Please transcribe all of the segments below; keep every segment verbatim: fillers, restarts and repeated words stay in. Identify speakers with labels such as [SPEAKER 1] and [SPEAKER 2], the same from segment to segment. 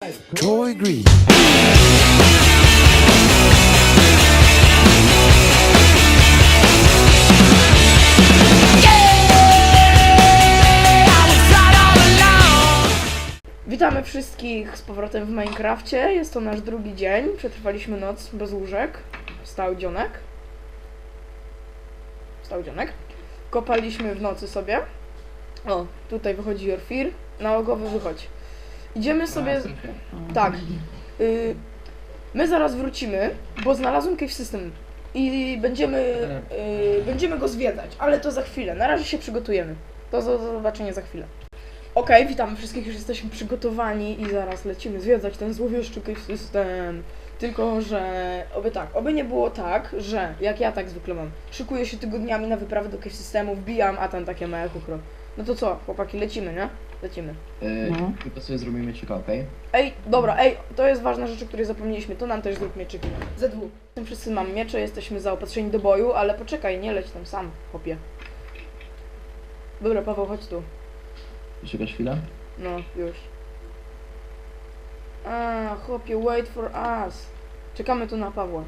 [SPEAKER 1] Troy Green.
[SPEAKER 2] Witamy wszystkich z powrotem w Minecrafcie. Jest to nasz drugi dzień. Przetrwaliśmy noc bez łóżek. Wstał dzionek. Wstał dzionek. Kopaliśmy w nocy sobie. O, tutaj wychodzi Jorfir. Nałogowy wychodź. Idziemy sobie... Z... Tak. Y... My zaraz wrócimy, bo znalazłem cave system. I będziemy... Y... Będziemy go zwiedzać, ale to za chwilę. Na razie się przygotujemy. To do zobaczenia za chwilę. Okej, okay, witamy wszystkich, już jesteśmy przygotowani i zaraz lecimy zwiedzać ten złowieszczy cave system. Tylko, że oby tak, oby nie było tak, że jak ja tak zwykle mam, szykuję się tygodniami na wyprawę do cave systemu, wbijam, a tam takie małe chukro. No to co, chłopaki, lecimy, nie? Lecimy.
[SPEAKER 3] Yy, no. Tylko sobie zrobimy mieczyka, okej? Okay?
[SPEAKER 2] Ej, dobra, ej, to jest ważna rzecz, o której zapomnieliśmy, to nam też zrób mieczyki. Z dwóch. Tym wszyscy mam miecze, jesteśmy zaopatrzeni do boju, ale poczekaj, nie leć tam sam, chłopie. Dobra, Paweł, chodź tu.
[SPEAKER 3] Czekasz chwilę?
[SPEAKER 2] No, już. A, chłopie, wait for us. Czekamy tu na Pawła.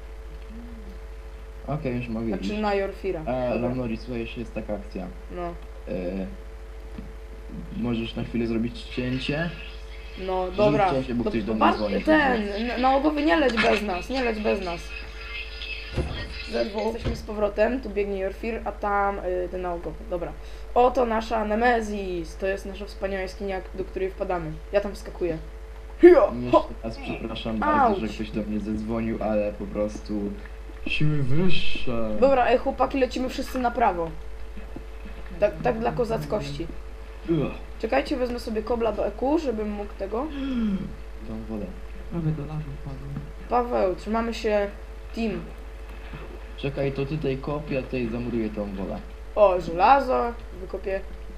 [SPEAKER 3] Okej, okay, już mogę
[SPEAKER 2] Znaczy
[SPEAKER 3] iść.
[SPEAKER 2] na Jorfira.
[SPEAKER 3] E, Lamnori, słuchaj, jeszcze jest taka akcja.
[SPEAKER 2] No.
[SPEAKER 3] E, możesz na chwilę zrobić cięcie?
[SPEAKER 2] No, dobra.
[SPEAKER 3] Cięcie, bo
[SPEAKER 2] Do,
[SPEAKER 3] ktoś do mnie
[SPEAKER 2] patrz,
[SPEAKER 3] dzwoni.
[SPEAKER 2] ten, n- nałogowy nie leć bez nas, nie leć bez nas. Zerwo. Jesteśmy z powrotem, tu biegnie Jorfir, a tam y, ten nałogowy, dobra. Oto nasza Nemezis, to jest nasza wspaniała jaskinia, do której wpadamy. Ja tam wskakuję. Hio, ho.
[SPEAKER 3] Jeszcze raz przepraszam
[SPEAKER 2] Auć.
[SPEAKER 3] bardzo, że ktoś do mnie zadzwonił, ale po prostu siły wyższe.
[SPEAKER 2] Dobra, ej chłopaki, lecimy wszyscy na prawo. Tak, tak dla kozackości.
[SPEAKER 3] Ugh.
[SPEAKER 2] Czekajcie, wezmę sobie kobla do E Q, żebym mógł tego.
[SPEAKER 3] Tą wodę.
[SPEAKER 4] Prawie do lasu wpadłem.
[SPEAKER 2] Paweł, trzymamy się team.
[SPEAKER 3] Czekaj, to tutaj kopię, tutaj zamuruję tą wodę.
[SPEAKER 2] O, żelazo, wykopię.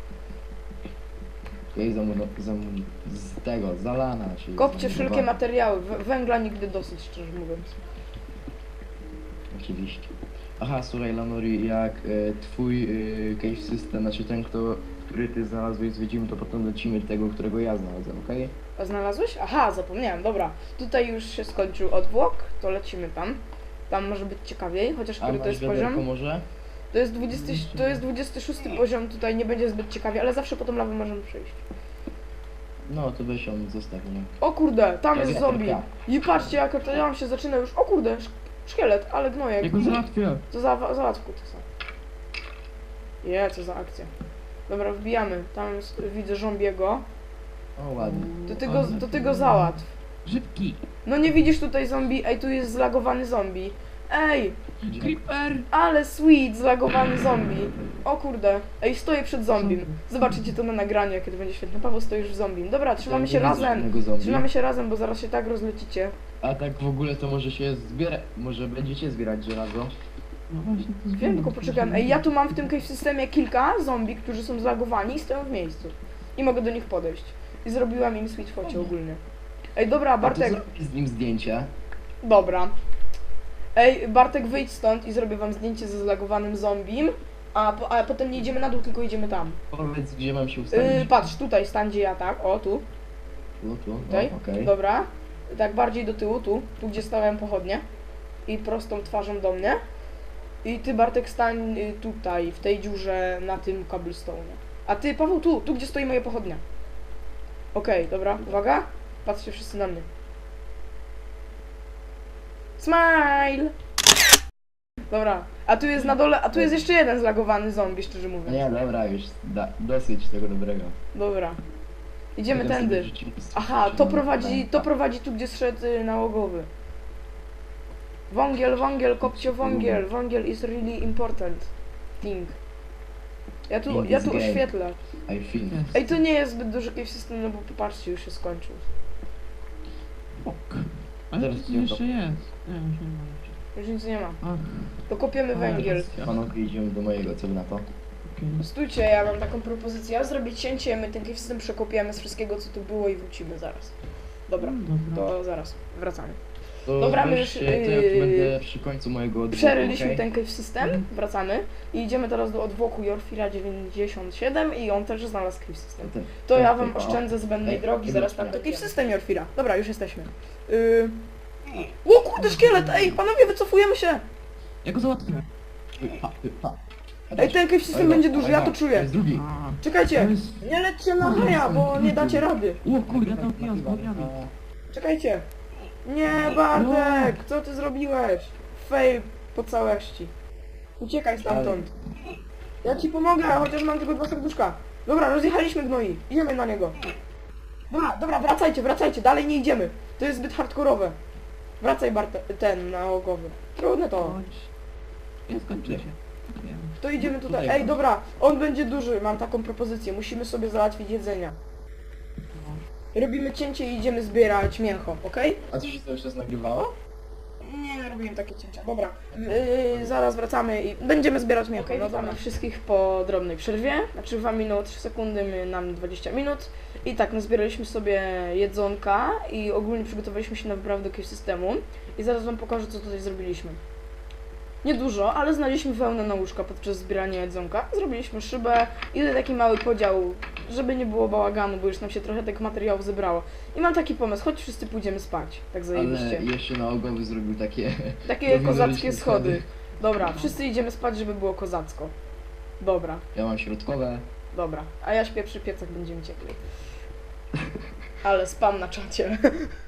[SPEAKER 3] Jej zamur... zamur... z tego, zalana, czyli
[SPEAKER 2] Kopcie wszelkie
[SPEAKER 3] zamurowana.
[SPEAKER 2] materiały, w- węgla nigdy dosyć, szczerze mówiąc.
[SPEAKER 3] Oczywiście. Aha, słuchaj Lanori, jak e, twój e, cave system, znaczy ten, kto, który ty znalazłeś, zwiedzimy, to potem lecimy do tego, którego ja znalazłem, okej?
[SPEAKER 2] A znalazłeś? Aha, zapomniałem, dobra. Tutaj już się skończył odwłok, to lecimy tam. Tam może być ciekawiej, chociaż
[SPEAKER 3] A
[SPEAKER 2] który to
[SPEAKER 3] masz
[SPEAKER 2] jest
[SPEAKER 3] wiaderko
[SPEAKER 2] poziom?
[SPEAKER 3] może?
[SPEAKER 2] To jest dwudziesty, to jest dwudziesty szósty poziom, tutaj nie będzie zbyt ciekawie, ale zawsze po tą lawę możemy przejść.
[SPEAKER 3] No, to weź ją, zostaw mnie.
[SPEAKER 2] O kurde, tam
[SPEAKER 3] Ja
[SPEAKER 2] jest
[SPEAKER 3] wiaderka.
[SPEAKER 2] zombie. I patrzcie, jak to ja się zaczyna już. O kurde, sz szkielet, ale gnojek.
[SPEAKER 4] Ja go załatwię.
[SPEAKER 2] Co za załatwku to są. Je, co za akcja. Dobra, wbijamy. Tam jest, widzę zombiego.
[SPEAKER 3] O, ładnie.
[SPEAKER 2] To ty go, to ty go załatw.
[SPEAKER 4] Szybki.
[SPEAKER 2] No nie widzisz tutaj zombie? Ej, tu jest zlagowany zombie. Ej,
[SPEAKER 4] Creeper.
[SPEAKER 2] ale sweet, zlagowany zombie. O kurde. Ej, stoję przed zombiem. Zobaczycie to na nagraniu, jakie to będzie świetne. Paweł, stoisz w zombim. Dobra, trzymamy się
[SPEAKER 3] Nie widzę
[SPEAKER 2] razem.
[SPEAKER 3] żadnego zombie.
[SPEAKER 2] Trzymamy się razem, bo zaraz się tak rozlecicie.
[SPEAKER 3] A tak w ogóle to może się zbiera... może będziecie zbierać żelazo?
[SPEAKER 4] No właśnie, to jest
[SPEAKER 2] Wiem, tylko poczekam. Ej, ja tu mam w tym cave systemie kilka zombie, którzy są zlagowani i stoją w miejscu. I mogę do nich podejść. I zrobiłam im sweet focie ogólnie. Ej, dobra,
[SPEAKER 3] A to
[SPEAKER 2] Bartek.
[SPEAKER 3] zrobię z nim zdjęcie.
[SPEAKER 2] Dobra. Ej, Bartek, wyjdź stąd i zrobię wam zdjęcie ze zlagowanym zombim. A, po, a potem nie idziemy na dół, tylko idziemy tam.
[SPEAKER 3] Powiedz, gdzie mam się ustawić.
[SPEAKER 2] Yy, patrz, tutaj stan gdzie ja tak. O, tu.
[SPEAKER 3] Tu, tu,
[SPEAKER 2] Tutaj.
[SPEAKER 3] no, okej.
[SPEAKER 2] Dobra. Tak bardziej do tyłu, tu. Tu, gdzie stałem pochodnie. I prostą twarzą do mnie. I ty, Bartek, stań y, tutaj, w tej dziurze, na tym cobblestone'ie. A ty, Paweł, tu, tu, gdzie stoi moja pochodnia. Okej, okay, dobra, uwaga. Patrzcie wszyscy na mnie. Smile! Dobra, a tu jest na dole, a tu jest jeszcze jeden zlagowany zombie, szczerze mówiąc.
[SPEAKER 3] Nie, dobra, już da, dosyć tego dobrego.
[SPEAKER 2] Dobra. Idziemy
[SPEAKER 3] Potem
[SPEAKER 2] tędy.
[SPEAKER 3] sobie rzucimy z-
[SPEAKER 2] Aha, to
[SPEAKER 3] na-
[SPEAKER 2] prowadzi,
[SPEAKER 3] na-
[SPEAKER 2] to prowadzi tu, gdzie zszedł y, nałogowy. Wągiel, wągiel, kopcie wągiel. Wągiel is really important thing. Ja tu,
[SPEAKER 3] In
[SPEAKER 2] ja
[SPEAKER 3] this
[SPEAKER 2] tu
[SPEAKER 3] game.
[SPEAKER 2] oświetlę.
[SPEAKER 3] I think.
[SPEAKER 4] Jest.
[SPEAKER 2] Ej, to nie jest zbyt duży cave system, no bo popatrzcie, już się skończył.
[SPEAKER 4] Ok. Ale
[SPEAKER 3] Zaraz
[SPEAKER 4] to
[SPEAKER 3] cię
[SPEAKER 4] jeszcze jest. Nie, już nie ma.
[SPEAKER 2] Już nic nie ma.
[SPEAKER 4] Ach,
[SPEAKER 2] To kopiemy
[SPEAKER 4] A,
[SPEAKER 2] węgiel.
[SPEAKER 4] racja.
[SPEAKER 3] Panowie, idziemy do mojego, co wy na to?
[SPEAKER 4] okej.
[SPEAKER 2] Stójcie, ja mam taką propozycję. Ja zrobię cięcie, my ten cave system przekopiemy z wszystkiego, co tu było i wrócimy zaraz. Dobra,
[SPEAKER 4] Mm, dobra.
[SPEAKER 2] to zaraz, wracamy.
[SPEAKER 3] To
[SPEAKER 2] Dobra, my
[SPEAKER 3] weź
[SPEAKER 2] już,
[SPEAKER 3] się, to ja
[SPEAKER 2] yy,
[SPEAKER 3] będę przy końcu mojego odwrótu,
[SPEAKER 2] Przeryliśmy
[SPEAKER 3] okej?
[SPEAKER 2] ten cave system, wracamy i idziemy teraz do odwłoku Jorfira dziewięćdziesiąt siedem i on też znalazł cave system.
[SPEAKER 3] To-
[SPEAKER 2] To ja
[SPEAKER 3] tak,
[SPEAKER 2] wam
[SPEAKER 3] tak, o.
[SPEAKER 2] oszczędzę zbędnej
[SPEAKER 3] Ej,
[SPEAKER 2] drogi,
[SPEAKER 3] ej,
[SPEAKER 2] zaraz
[SPEAKER 3] dobra.
[SPEAKER 2] tam do cave system Jorfira. Dobra, już jesteśmy. Yy... O kurde, szkielet! Ej, panowie, wycofujemy się!
[SPEAKER 4] Ja go załatwię.
[SPEAKER 3] Ha, ha.
[SPEAKER 2] Ej, ten cave system
[SPEAKER 3] Oj,
[SPEAKER 2] będzie
[SPEAKER 3] no,
[SPEAKER 2] duży,
[SPEAKER 3] oj,
[SPEAKER 2] ja
[SPEAKER 3] no,
[SPEAKER 2] to
[SPEAKER 3] To
[SPEAKER 2] czuję.
[SPEAKER 3] jest drugi.
[SPEAKER 4] A,
[SPEAKER 2] Czekajcie!
[SPEAKER 4] to jest...
[SPEAKER 2] Nie lećcie na haja, bo nie dacie rady.
[SPEAKER 4] O kurde, ja tam pijam z bagniami.
[SPEAKER 2] Czekajcie. Nie, Bartek, co ty zrobiłeś? Fail po całości. Uciekaj stamtąd. Ja ci pomogę, chociaż mam tylko dwa serduszka. Dobra, rozjechaliśmy gnoi. Idziemy na niego. Dobra, dobra, wracajcie, wracajcie, dalej nie idziemy. To jest zbyt hardkorowe. Wracaj Bartek, ten nałogowy. Trudne to.
[SPEAKER 4] Chodź. Nie skończy się. Wiem.
[SPEAKER 2] To idziemy tutaj.
[SPEAKER 3] Tutaj
[SPEAKER 2] Ej,
[SPEAKER 3] chodź.
[SPEAKER 2] dobra, on będzie duży, mam taką propozycję. Musimy sobie załatwić jedzenia. Robimy cięcie i idziemy zbierać mięcho, okej?
[SPEAKER 3] A co się cały czas nagrywało?
[SPEAKER 2] Nie, robiłem takie cięcia. Dobra, yy, zaraz wracamy i będziemy zbierać mięcho. Okay, no dobra, wszystkich po drobnej przerwie. Znaczy wam minęło trzy sekundy, my nam dwadzieścia minut. I tak, nazbieraliśmy sobie jedzonka i ogólnie przygotowaliśmy się na wyprawę do jakiegoś systemu. I zaraz wam pokażę, co tutaj zrobiliśmy. Niedużo, ale znaleźliśmy wełnę na łóżka podczas zbierania jedzonka. Zrobiliśmy szybę i tutaj taki mały podział, żeby nie było bałaganu, bo już nam się trochę tych materiałów zebrało. I mam taki pomysł, chodź wszyscy pójdziemy spać. Tak zajebiście.
[SPEAKER 3] Ale jeszcze nałogowy zrobił takie...
[SPEAKER 2] Takie
[SPEAKER 3] prowizoryczne
[SPEAKER 2] kozackie schody. Dobra, wszyscy idziemy spać, żeby było kozacko. Dobra,
[SPEAKER 3] Ja mam środkowe.
[SPEAKER 2] dobra. A ja śpię przy piecach, będziemy ciepli. Ale spam na czacie.